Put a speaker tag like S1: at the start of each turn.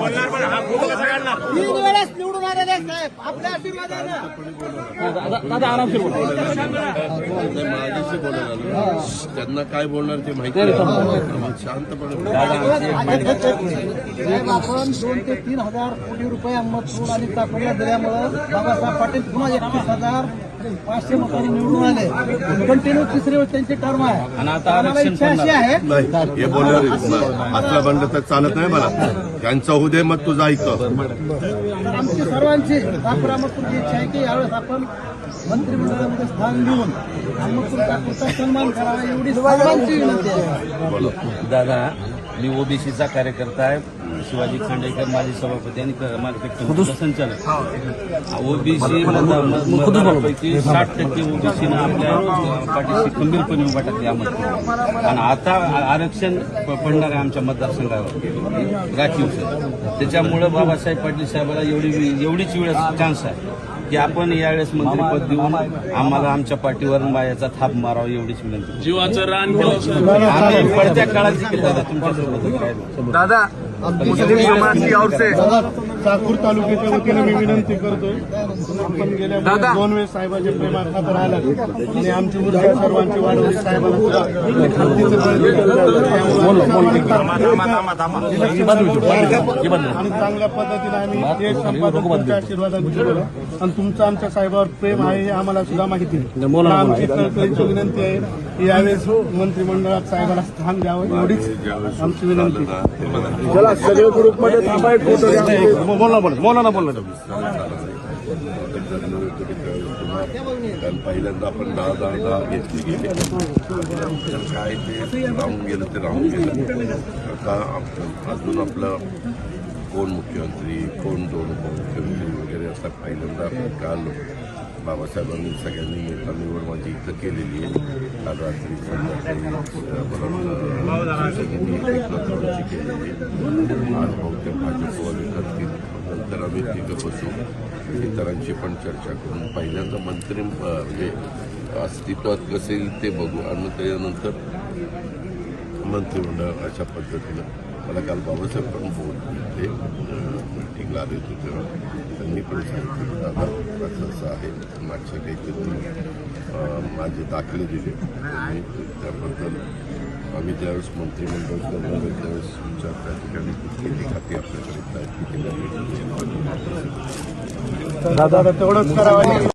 S1: वेळेस निवडून आलेले साहेब आपल्या आशीर्वादाने
S2: दादा आरामशीर बोला.
S3: मागेशी बोलायला त्यांना काय बोलणार ते माहिती शांतपणे
S1: साहेब आपण 2 ते 3 हजार कोटी रुपये अहमदपूर आणि चाकणला दिल्यामुळं बाबासाहेब पाटील पुन्हा 31,500 मतांनी निवडून आले. कंटिन्यू तिसरी वेळ त्यांची टर्म आहे आणि आता इच्छा अशी आहे
S3: नाही हे बोलणार असला बंड तर चालत नाही मला. त्यांचं होऊ दे मग तुझं ऐकतो.
S1: आमची सर्वांची अहमदपूरची इच्छा आहे की यावेळेस आपण मंत्रिमंडळामध्ये स्थान देऊन अहमदपूर चाकूरचा सन्मान करावा एवढी सर्वांची विनंती आहे.
S2: दादा मी ओबीसीचा कार्यकर्ता आहे. शिवाजी खांडेकर माजी सभापती आणि माझ्यापेक्षा संचालक. ओबीसी मतदारांपैकी 60% ओबीसीनं आपल्या पाठीशी खंबीरपणे उभा टाकली अहमदपूर. आणि आता आरक्षण पडणार आहे आमच्या मतदारसंघावर राखीव. त्याच्यामुळं बाबासाहेब पाटील साहेबांना एवढीच वेळेस चान्स आहे की आपण यावेळेस मंत्रिपद देऊन आम्हाला आमच्या पाठीवर मायाचा थाप मारावा एवढीच विनंती.
S4: जीवाचं रान केलं
S2: आम्ही पडत्या काळात देखील दादा तुमच्यासोबत काय
S4: दादा मुस्लिम समाज की ओर से
S5: चाकूर तालुक्याच्या वतीने मी विनंती करतोय. आपण गेल्या 2 वेळेस साहेबांच्या प्रेमाखातर राहिला आणि आमची ऊर्जा सर्वांची वाढवली. साहेबांना सुद्धा आणि चांगल्या पद्धतीने आम्ही ते संपादन तुमच्या आशीर्वादाने केलं आणि तुमचं आमच्या साहेबावर प्रेम आहे हे आम्हाला सुद्धा माहिती आहे. आमची कळकळीची विनंती आहे की यावेळेस मंत्रिमंडळात साहेबाला स्थान द्यावं एवढीच आमची विनंती.
S4: सगळे ग्रुपमध्ये थांबा एक फोटो घ्या.
S3: कारण पहिल्यांदा आपण 10 घेतली गेली काय ते राहून गेलं ते राहून गेलं. आता अजून आपलं कोण मुख्यमंत्री कोण 2 उपमुख्यमंत्री वगैरे आता पहिल्यांदा काल बाबासाहेबांनी सगळ्यांनी निवड माझी इथं केलेली आहे. काल रात्री आज बहुतेक भाजपवाले करतील. नंतर आम्ही तिथं बसू इतरांची पण चर्चा करून पहिल्यांदा मंत्री म्हणजे अस्तित्वात कसे येईल ते बघू आणि त्यानंतर मंत्रिमंडळ अशा पद्धतीनं. मला काल बाबासाहेब पण बोलले मीटिंगला आले होते तेव्हा त्यांनी पण सांगितलं दादा असं आहे. मागच्या काहीतरी माझे दाखले दिले त्याबद्दल आम्ही ज्यावेळेस मंत्रिमंडळ करणार आहे त्यावेळेस तुमच्या त्या ठिकाणी किती खाती आपल्याकडे आहेत किती
S5: दादा तेवढंच करावं.